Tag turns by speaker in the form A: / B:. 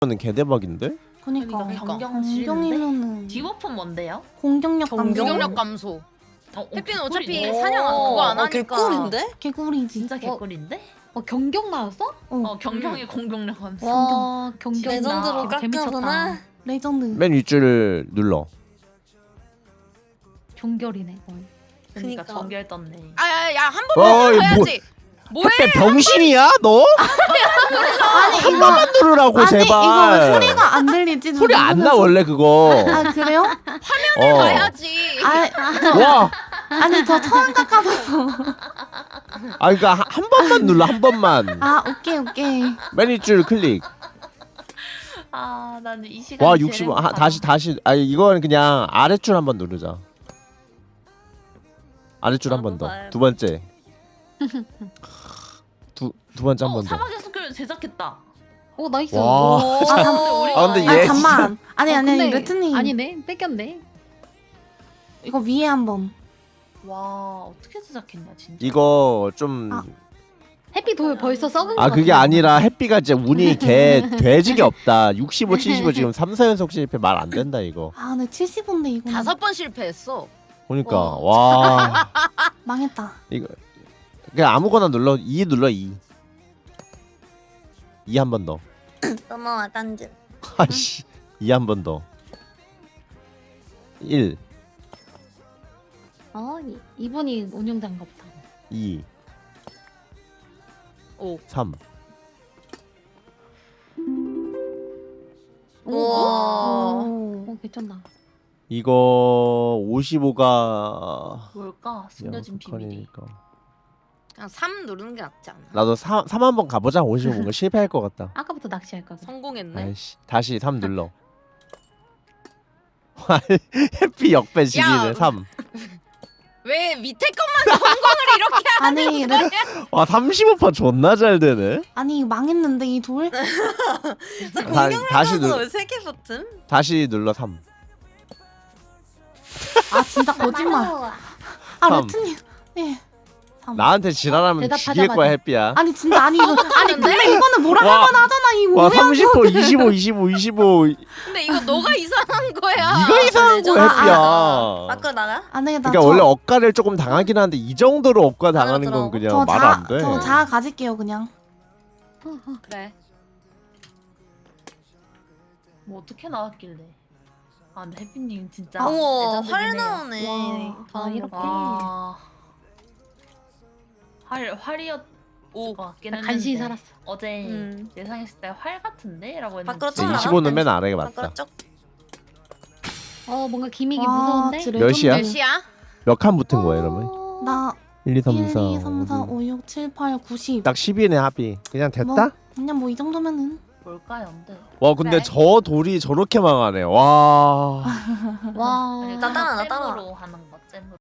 A: 는 개대박인데?
B: 그니까
C: 공경이면은
B: 디버프는 뭔데요?
C: 공격력 감소.
D: 공격력 감소. 햇빛은 어차피
B: 개꿀이네.
D: 사냥 그거 안 하니까.
E: 개꿀인데?
C: 개구리지.
B: 진짜 개꿀인데?
F: 경경 나왔어?
B: 경경의 공격력 감소.
F: 와 경경
E: 레전드로
F: 재밌었다.
E: 깎여구나.
C: 레전드.
A: 맨 윗줄을 눌러.
F: 종결이네.
B: 그러니까
E: 그니까.
B: 정결 떴네.
D: 아야야 한 번만 해야지. 뭐해?
A: 햇배 병신이야 너?
C: 아니
A: 한 번만 누르라고
C: 아니
A: 제발.
C: 이거 왜 소리가 안 들리지?
A: 소리 안 나 원래 그거.
C: 아 그래요?
D: 봐야지.
A: 와.
C: 아니 저 처음 깎아서.
A: 아 그러니까 한 번만 눌러 한 번만.
C: 아 오케이.
A: 맨 윗줄 클릭.
B: 아 나는 이 시간.
A: 와 60. 다시. 아 이건 그냥 아랫줄 한 번 누르자. 아랫줄 한 번 더. 두 번째. 두 번째 한 번 더.
B: 사막의 숲을 제작했다.
F: 오 나이스.
A: 와. 근데 얘
C: 잠만. 아니
F: 근데
C: 레트님.
F: 아니네 뺏겼네.
C: 이거 위에 한번.
B: 와 어떻게 제작했냐 진짜.
A: 이거 좀.
F: 햇빛 돌 벌써 썩은 거
A: 아 그게
F: 같아.
A: 아니라 햇비가 진짜 운이 개 돼지게 없다. 65, 75 지금 3, 4연속 실패 말 안 된다 이거.
C: 아 근데 70인데 이거.
D: 5번 실패했어.
A: 그러니까 와
C: 망했다.
A: 이거 그냥 아무거나 눌러 2 눌러 2 한 번 더.
E: 넘어와 딴지.
A: 아씨 2 한 번 더. 1
F: 이분이 운영자인가 보다.
A: 2
D: 오.
A: 3
E: 우와.
F: 괜찮다.
A: 이거 55가
B: 뭘까? 숨겨진 비밀이.
D: 그냥 3 누르는 게 낫지 않아?
A: 나도 3 한번 가보자. 55가 실패할 것 같다.
F: 아까부터 낚시할 거.
D: 성공했네.
A: 아이씨 다시 3 눌러. 해피 역배 시기네
D: 야.
A: 3.
D: 왜 밑에 것만 성공을 이렇게
C: 아니
D: 하는 거야?
A: 와 35% 존나 잘 되네.
C: 아니 망했는데 이 돌.
A: 다시
E: 왜 3개 버튼?
A: 다시 눌러 3.
C: 아 진짜 거짓말. 아
A: 삼.
C: 레트님. 네. 3.
A: 나한테 지랄하면
F: 대답하자마자.
A: 죽일 거야 해피야.
C: 아니 진짜 아니 이거 아니 근데 이거는 뭐라
A: 와.
C: 할만 하잖아 이
A: 와
C: 뭐야.
A: 30%, 25.
D: 근데 이거 너가 이상한 거야.
A: 네가 이상한 거야 해피야.
E: 밖으로 나가?
C: 아니 나
A: 그러니까 원래 억가를 조금 당하긴 하는데 이 정도로 억가 당하는 건
E: 들어가고.
A: 그냥 말 안 돼.
C: 저 자아 가질게요 그냥.
D: 그래.
B: 뭐 어떻게 나왔길래? 아 근데 해피님 진짜.
E: 어머
B: 레전드긴
E: 활
B: 해요.
E: 나오네.
C: 와.
E: 다음
F: 이렇게.
B: 와. 활이었. 오 같긴 했는데.
F: 간신히 살았어.
B: 어제
E: 음.
B: 예상했을 때 활 같은데라고 했는데.
E: 밖으로 좀 나가?
A: 25는 맨 아래가
E: 밖으로
A: 맞다.
E: 쭉.
F: 뭔가 기믹이
C: 와,
F: 무서운데.
C: 진짜
A: 몇 시야?
D: 몇 시야?
A: 몇 칸 붙은 거야 이러면?
C: 나
A: 1, 2, 3,
C: 1,
A: 4.
C: 2, 3, 4, 5, 6, 7, 8, 90.
A: 딱 10이네 합이. 그냥 됐다?
C: 그냥 뭐 이 정도면은.
B: 뭘까요, 근데?
A: 와 근데
D: 그래.
A: 저 돌이 저렇게 망하네. 와.
F: 와.
E: 나 따라, 나 따라.
B: 잼으로 하는 거 잼으로.